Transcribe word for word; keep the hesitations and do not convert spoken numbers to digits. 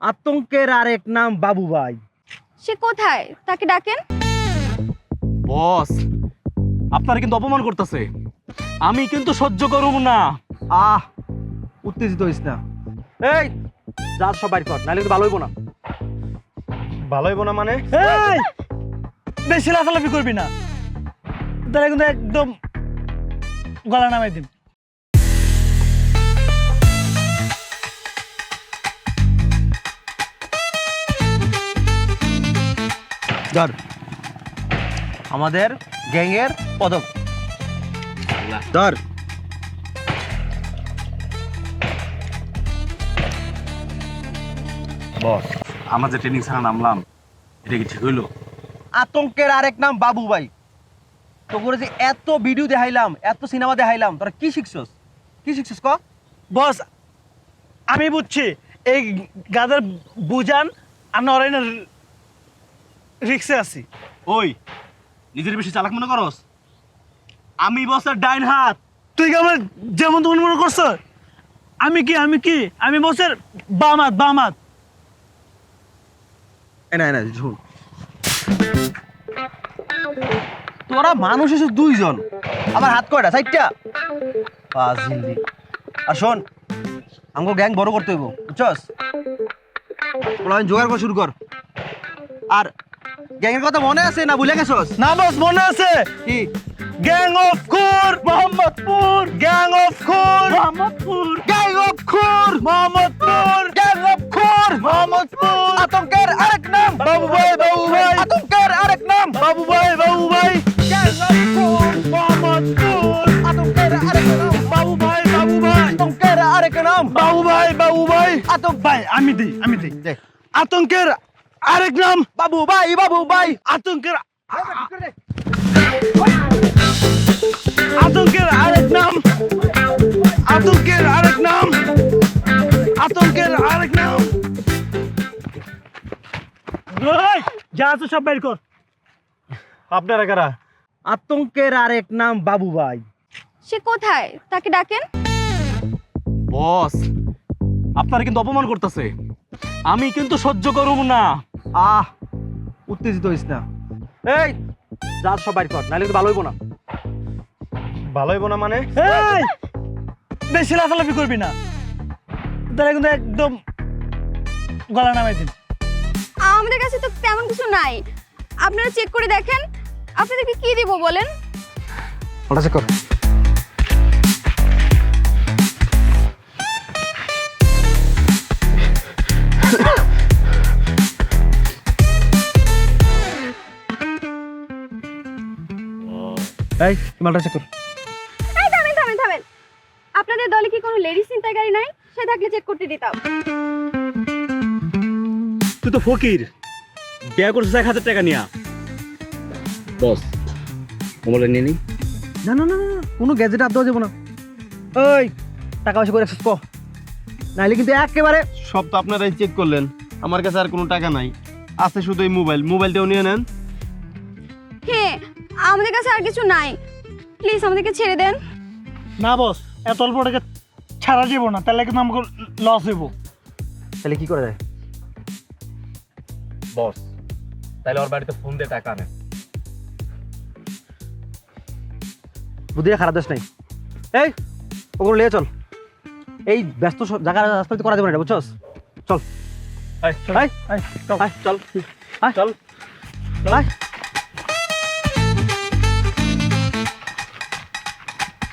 আতঙ্কের আরেক নাম বাবু ভাই। সে কোথায়? তাকে ডাকেন। বস, আপনারা কিন্তু অপমান করতেছে। আমি কিন্তু সহ্য করব না। আহ উত্তেজিত হইস না। এই যা সব বাইর কর, নাহলে কিন্তু ভালো হইব না। ভালো হইব না মানে? এই বেশি লাফালাফি করবি না, তাহলে কিন্তু একদম গলা নামাই দিন। ধর আমাদের গ্যাংয়ের পদক ধর। বস, আমরা যে ট্রেনিং ছাড়া নামলাম, এটা কি ঠিক হইলো? আতঙ্কের আরেক নাম বাবু ভাই। তো করে যে এত ভিডিও দেখাইলাম, এত সিনেমা দেখাইলাম, তোরা কি শিখছস? কি শিখছস ক? বস আমি বুঝছি, এই গাদার বুঝান আর নরাইনের রিক্সে আছি। ওই, নিজের বেশি চালাক মনে করস? আমি বসের ডাইন হাত। তুই কি আমার যেমন তেমন মনে করছ? আমি কি আমি কি আমি বসের বাম হাত, বাম হাত। এ না না ঝুল। তোরা মানুষ এসে দুইজন, আমার হাত কয়টা? চারটা। পাজিলি। আর শোন, আমাকে গ্যাং বড় করতে হইব, বুঝছস? বলা জোগাড় করা শুরু কর। আর গ্যাংয়ের কথা মনে আছে না ভুলে গেছস? না বস, মনে আছে। কি? গ্যাং অফ খুর মোহাম্মদপুর, গ্যাং অফ খুর মোহাম্মদপুর, গ্যাং অফ খুর মোহাম্মদপুর, গ্যাং অফ খুর মোহাম্মদপুর। আতঙ্কের আরেক নাম বাবু ভাই, বাবু ভাই, আতঙ্কের আরেক নাম বাবু ভাই, বাবু ভাই, গ্যাং অফ খুর মোহাম্মদপুর, আতঙ্কের আরেক নাম বাবু ভাই, বাবু ভাই, আতঙ্কের আরেক নাম বাবু ভাই, বাবু ভাই, আতঙ্ক ভাই আমি দিই আমি দিই দে। আতঙ্কের আরেক নাম বাবু ভাই, বাবু ভাই। আতঙ্কের আতঙ্কের আরেক নাম আতঙ্কের আরেক নাম আতঙ্কের আরেক নাম ওই, যা আছে সব বের কর। আপনারা কারা? আতঙ্কের আরেক নাম বাবু ভাই। সে কোথায়? তাকে ডাকেন। বস, আপনারা কিন্তু অপমান করতেছে। আমি কিন্তু সহ্য করব না। আহ উত্তেজিত হইস না। এই যা সব বাইর কর, নাহলে কিন্তু ভালো হইব না। ভালো হইব না মানে? এই বেশি লাফালাফি করবি না, তাহলে কিন্তু একদম গলা নামাই দিন। আমাদের কাছে তো তেমন কিছু নাই, আপনারা চেক করে দেখেন। আপনাদেরকে কি দিব বলেন? ওটা চেক কর। এই মালটা চেক কর। এই থামেন থামেন থামেন, আপনাদের দলে কি কোনো লেডিস চিন্তাকারী নাই? সে থাকলে চেক করতে দিতাম। তুই তো ফকির, বিয়ে করছিস এক হাজার টাকা নিয়া। বস, মোবাইল নিয়ে নি। না না না না, কোনো গ্যাজেট হাত দেওয়া যাবো না। ওই টাকা পয়সা করে রাখছিস ক, নাহলে কিন্তু একেবারে। সব তো আপনারাই চেক করলেন, আমার কাছে আর কোনো টাকা নাই, আছে শুধু এই মোবাইল। মোবাইলটাও নিয়ে নেন। হ্যাঁ, আমাদের কাছে আর কিছু নাই, প্লিজ আমাদেরকে ছেড়ে দেন। না বস, এত অল্প টাকা ছাড়া যাবো না, তাহলে কিন্তু আমাকে লস হইব। তাহলে কি করা যায়? বস, তাহলে ওর বাড়িতে ফোন দিয়ে টাকা আনে। বুদ্ধিটা খারাপ দেশ নাই। এই ওগুলো নিয়ে চল, এই ব্যস্ত স- জায়গা রাস্তাতে করা যাবে না এটা, বুঝছস? চল আয়, আয় আয়, চল। আয় চল আয় চল। আয়